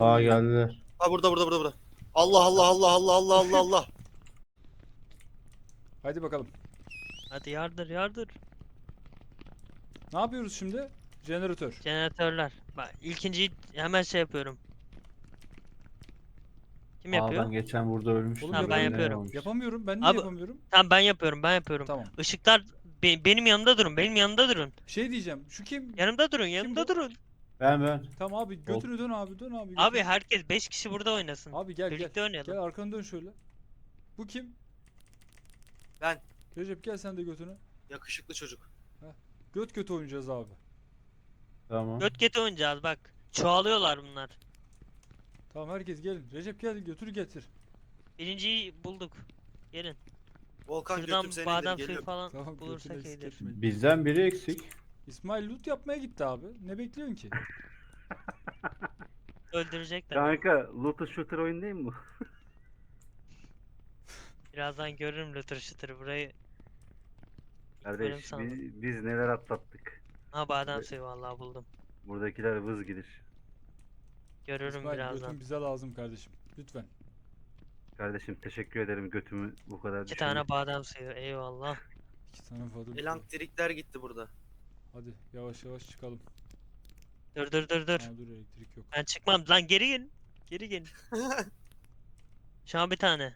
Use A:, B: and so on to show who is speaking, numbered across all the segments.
A: Aa geldiler.
B: Ha burada. Allah Allah Allah Allah Allah Allah Allah.
C: Haydi bakalım.
D: Hadi yardır.
C: Ne yapıyoruz şimdi? Jeneratör.
D: Jeneratörler. Bak ilkinciyi hemen şey yapıyorum. Kim
A: Aa
D: yapıyor?
A: ben geçen burada ölmüştüm.
C: Oğlum
D: Ha, ben
A: Böyle
D: yapıyorum.
A: olmuş.
C: Yapamıyorum. Ben niye
D: Abi-
C: yapamıyorum?
D: Tamam ben yapıyorum.
C: Tamam.
D: Işıklar benim yanımda durun. Benim yanımda durun.
C: Şey diyeceğim. Şu kim?
D: Yanımda durun.
C: bu?
D: Yanımda durun.
A: Ben.
C: Tamam abi götünü dön abi. Dön abi.
D: Abi
C: götünü.
D: herkes 5 kişi burada oynasın.
C: Abi gel
D: Birlikte oynayalım.
C: Gel arkanı dön şöyle. Bu kim?
B: Ben.
C: Recep gel sen de götünü.
B: Yakışıklı çocuk.
C: Göt göt oynayacağız abi.
A: Tamam.
D: Göt oynayacağız bak. Çoğalıyorlar bunlar.
C: Tamam herkes gelin. Recep gel götürü getir.
D: Birinciyi bulduk. Gelin.
B: Volkan
D: Şuradan
B: götüm seni
D: badem
B: indir
D: suyu
B: geliyorum.
D: falan
C: Tamam
D: bulursak
C: götünü
D: iyidir.
C: sikletmeyin.
A: Bizden biri eksik.
C: İsmail loot yapmaya gitti abi. Ne bekliyorsun ki?
D: Öldürecekler.
E: Kanka looter shooter oyun değil mi bu?
D: Birazdan görürüm lütür şıtır burayı. Bölüm
E: Kardeş
D: sandım.
E: biz neler atlattık.
D: Ha badem suyu vallahi buldum.
E: Buradakiler vız gidir.
D: Görürüm
C: İsmail
D: birazdan.
C: götün bize lazım kardeşim. Lütfen.
E: Kardeşim teşekkür ederim götümü bu kadar
D: 2 tane badem suyu eyvallah.
C: 2 tane fazla.
B: Elektrikler gitti burada.
C: Hadi yavaş yavaş çıkalım.
D: Dur.
C: Aa, dur elektrik yok.
D: Ben çıkmam lan geri gelin. Geri gelin. Şu an bir tane.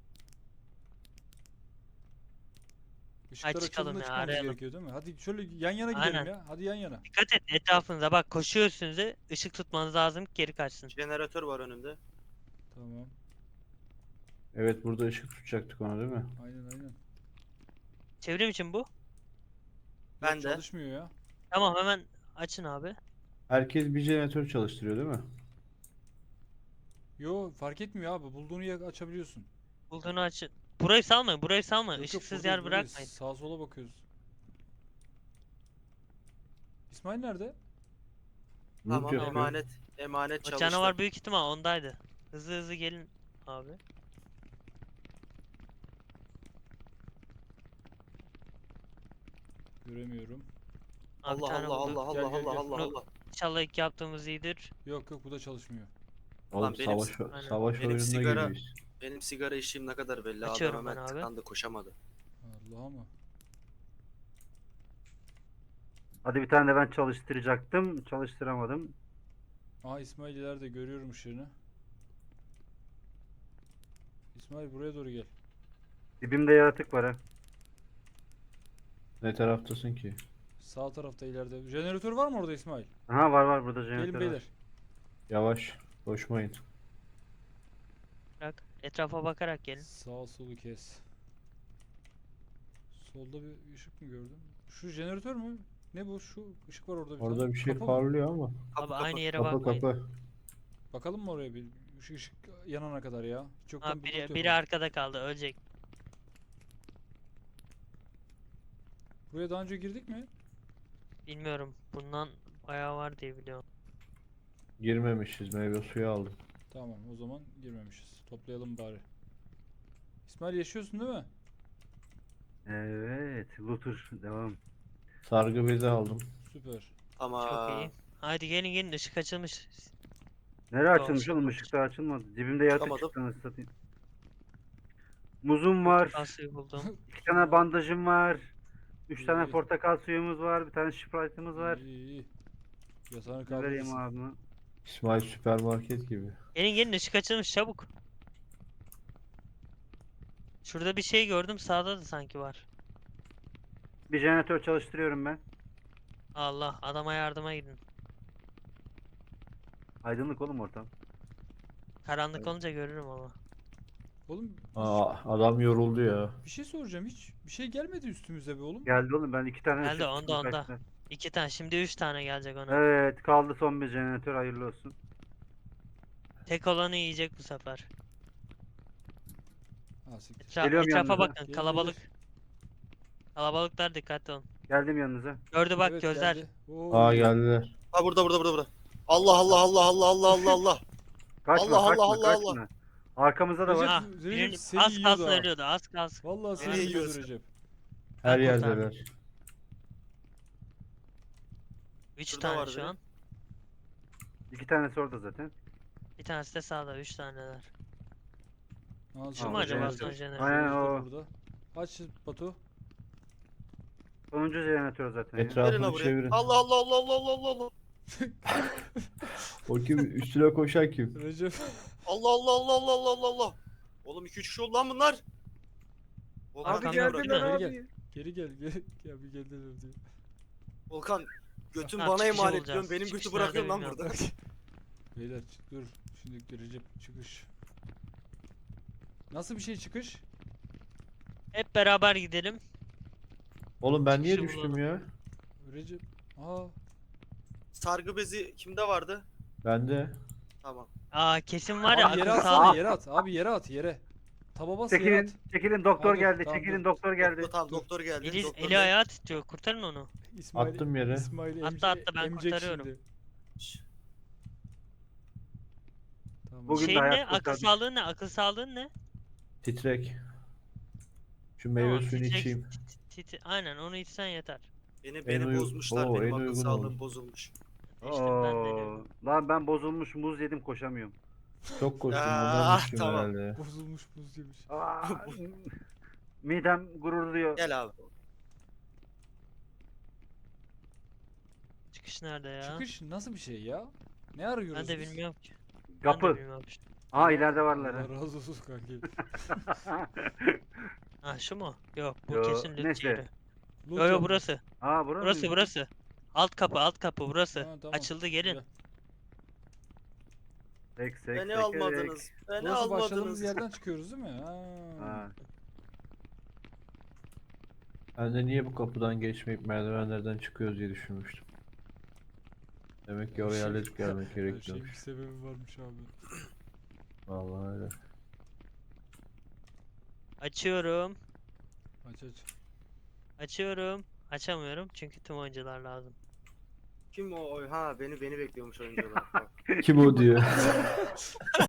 C: Işıklar
D: çıkalım
C: açıldığında
D: ya,
C: çıkmamız
D: arayalım.
C: gerekiyor değil mi? Hadi şöyle yan yana gidelim
D: Aynen.
C: ya. Hadi yan yana.
D: Dikkat et etrafınıza bak koşuyor üstünüze. Işık tutmanız lazım ki geri kaçsın.
B: Jeneratör var önümde.
C: Tamam.
A: Evet burada ışık tutacaktık ona değil mi?
C: Aynen.
D: Çevrim için bu.
B: Ben
C: Yok,
B: de.
C: çalışmıyor ya.
D: Tamam hemen açın abi.
A: Herkes bir jeneratör çalıştırıyor değil mi?
C: Yo fark etmiyor abi. Bulduğunu açabiliyorsun.
D: Bulduğunu açın. Burayı salmayın burayı salmayın.
C: Yok, yok,
D: Işıksız
C: buradayız,
D: yer
C: buradayız.
D: bırakmayın.
C: Sağa sola bakıyoruz. İsmail nerede?
A: Loot
B: Tamam
A: yapıyor.
B: emanet
D: O
B: çalıştı.
D: canavar büyük ihtimal ondaydı. Hızlı gelin abi.
C: Göremiyorum.
D: Abi bir
B: Allah
D: tane
B: Allah
D: bulduk.
B: Allah
C: Gel,
B: Allah
C: gel,
B: Allah
C: gel.
B: Allah
D: Bunu-
B: Allah.
D: İnşallah ilk yaptığımız iyidir.
C: Yok bu da çalışmıyor.
A: Oğlum
B: Lan benim-
A: savaş
D: Aynen.
B: Benim
A: oyununa
B: sigara-
A: giriyoruz.
B: Benim sigara içtiğim ne kadar belli.
D: Açıyorum
B: Adam
D: ben
B: hemen
D: abi.
B: tıkandı koşamadı.
C: Allah ama.
E: Hadi bir tane de ben çalıştıracaktım. Çalıştıramadım.
C: Aa İsmail ileride görüyorum ışığını. İsmail buraya doğru gel.
E: Dibimde yaratık var ha.
A: Ne taraftasın ki?
C: Sağ tarafta ileride. Jeneratör var mı orada İsmail?
E: Aha var burada
C: Gelin
E: jeneratör var.
C: beyler.
A: Yavaş. Koşmayın.
D: Bırak. Etrafa bakarak gelin.
C: Sağ solu kes. Solda bir ışık mı gördüm? Şu jeneratör mü? Ne bu? Şu ışık var orada bir
A: Orada
C: tane.
A: bir şey
C: Kapı mı?
A: parlıyor ama.
B: Kapı,
D: Abi aynı yere
A: Kapı
D: bakmayın.
A: kapı.
C: Bakalım mı oraya bir? Şu ışık yanana kadar ya. Hiç yoktan
D: Abi
C: bir loot
D: biri
C: yapalım.
D: arkada kaldı ölecek.
C: Buraya daha önce girdik mi?
D: Bilmiyorum. Bundan bayağı var diye biliyorum.
A: Girmemişiz. Meyve suyu aldım.
C: Tamam o zaman girmemişiz. Toplayalım bari. İsmail yaşıyorsun değil mi?
E: Evet looter devam.
A: Sargı bezi aldım.
C: Süper.
B: Ama
D: Çok iyi. Haydi gelin ışık açılmış.
E: Nereye
D: Doğru,
E: açılmış oğlum?
D: açılmamış.
E: Işık daha açılmadı. Dibimde yaratık
B: Çıkamadım.
E: çıktı anasını satayım. Muzum var.
D: Portakal suyu buldum.
E: 2 tane bandajım var. 3 tane
C: İyi.
E: portakal suyumuz var. Bir tane Sprite'ımız var.
C: İyi. Yatağını
E: Ne vereyim
C: kaldırırsın.
E: abi?
A: İsmail süpermarket gibi.
D: Gelin ışık açılmış çabuk. Şurada bir şey gördüm sağda da sanki var.
E: Bir jeneratör çalıştırıyorum ben.
D: Allah adama yardıma gidin.
E: Aydınlık oğlum ortam.
D: Karanlık olunca görürüm ama.
C: Oğlum
A: Aa adam yoruldu ya.
C: bir şey soracağım hiç. Bir şey gelmedi üstümüze be oğlum.
E: Geldi oğlum ben 2 tane
D: Geldi,
E: ışık
D: onda,
E: tuttum
D: onda.
E: kaçtı.
D: 2 tane şimdi 3 tane gelecek ona.
E: Evet kaldı son bir jeneratör hayırlı olsun.
D: Tek olanı yiyecek bu sefer.
C: Ha siktir.
E: Geliyorum
D: Etrafa
E: yanınıza.
D: bakın
C: Gelir,
D: kalabalık.
C: gelir.
D: Kalabalıklar dikkatli olun.
E: Geldim yanınıza.
D: Gördü bak
C: Evet,
D: gözler.
C: geldi. Oo.
A: Aa geldiler.
B: ha burada. Allah Allah Allah Allah Allah Allah Allah.
E: Kaçma
B: Allah,
E: kaçma
B: Allah, Allah,
E: kaçma. Arkamızda da
C: Recep-
E: var.
D: Ah,
C: Recep
D: birini-
C: seni
D: az
C: yiyordu
D: kalsın
C: ha.
D: ölüyordu az kalsın.
C: Vallahi seni
B: Nereye
C: yiyordu
B: yiyorsun?
C: Recep.
A: Her
D: Ben kurtardım.
A: yerdeler.
D: 3
B: Şurada
D: tane
B: var
D: şu
B: biri.
D: an.
E: 2 tanesi orada zaten.
D: Bir tanesi de sağda. 3 taneler.
C: Aa,
D: Şu mu
E: bu
D: acaba
E: jeneratör.
D: son jeneratör?
E: Aynen
C: Jeneratör
E: o.
C: burada. Aç Batu.
E: Sonuncu jeneratör zaten ya.
A: Etrafını
B: Verin la buraya.
A: çevirin.
B: Allah Allah Allah Allah Allah Allah Allah.
A: O kim? Üstüne koşan kim?
C: Recep.
B: Allah Allah Allah Allah Allah Allah Allah. Oğlum 2-3 kişi oldu lan bunlar. Volkan,
D: Abi
B: beni
D: geldiler
B: bırak.
C: Geri gel. Geri gel. Ya bir geldiler diyor.
B: Volkan götün
D: Ha,
B: bana
D: çıkışı
B: emanet
D: bulacağız.
B: diyorsun. Benim
D: Çıkış
B: götü bırakıyorsun lan
D: nerede
B: burada.
C: Beyler dur. Şimdi Recep çıkış. Nasıl bir şey çıkış?
D: Hep beraber gidelim.
A: Oğlum ben niye
D: Çıkışı
A: düştüm
D: bulalım.
A: ya?
C: Recep. Aa.
B: Sargı bezi kimde vardı?
A: Bende.
B: Tamam.
D: Aa kesin var ya
C: Abi yere
D: akıl
C: atsana,
D: sağlığı.
C: yere at. Abi yere at, yere. Taba bas yere at.
E: Çekilin doktor
C: Dur,
E: geldi.
C: tamam,
E: Çekilin
C: dur.
E: doktor geldi.
B: Tamam
C: Dur.
B: doktor geldi.
D: Eli,
B: doktor
D: eli
B: geldi.
D: ayağı titriyor. Kurtarın onu.
C: İsmail,
A: Attım yere.
C: İsmail
D: Atla, atla, ben
C: emecek
D: kurtarıyorum.
C: şimdi.
B: Şş,
C: Tamam.
E: Bugün de
D: Şeyin
E: hayat
D: ne? Akıl
E: kurtardık.
D: sağlığın ne? Akıl sağlığın ne?
A: Titrek. Şu meyve
D: Tamam,
A: suyunu
D: titrek-
A: içeyim.
D: Aynen onu içsen yeter.
B: Beni
A: uy-
B: bozmuşlar.
A: Oo,
B: Benim
A: en
B: akıl
A: uygun
B: sağlığım
A: oldu.
B: bozulmuş.
D: İşte ben de
E: Oo,
D: diyorum.
E: lan ben bozulmuş muz yedim koşamıyorum.
A: Çok koştum
B: Aa,
A: ondan düştüm
B: tamam.
A: herhalde ya.
C: Bozulmuş buz yemiş.
E: Aa, midem gururluyor.
B: Gel abi.
D: Çıkış nerede ya?
C: Çıkış nasıl bir şey ya? Ne arıyoruz
D: Ben de
C: biz?
D: bilmiyorum ki. Ben de
E: Kapı.
D: bilmiyorum işte.
E: Aa ileride varlar.
C: Allah
E: ha.
C: razı olsun kanki.
D: Ha şu mu? Yok bu
E: Yo,
D: kesin loot
E: neyse.
D: yeri.
C: Loot
D: Yo yo
C: yapmış.
D: burası.
E: Aa burası
D: Burası
E: mıymış?
D: burası. Alt kapı burası.
C: Ha, tamam.
D: Açıldı gelin.
C: Gel.
E: Sek, sek,
B: Beni
E: sek,
B: almadınız. Beni
C: Burası başladığımız
B: almadınız.
C: yerden çıkıyoruz değil mi? Ha.
E: Ha.
A: Ben de niye bu kapıdan geçmeyip merdivenlerden çıkıyoruz diye düşünmüştüm. Demek ki oraya
C: Her
A: halledip gelmek
C: Her şeyin bir
A: gerekiyormuş.
C: sebebi varmış abi.
A: Vallahi öyle.
D: Açıyorum.
C: Aç aç.
D: Açıyorum. Açamıyorum çünkü tüm oyuncular lazım.
B: Kim o? Ha beni bekliyormuş oyuncular. Tamam.
A: Kim o diyor.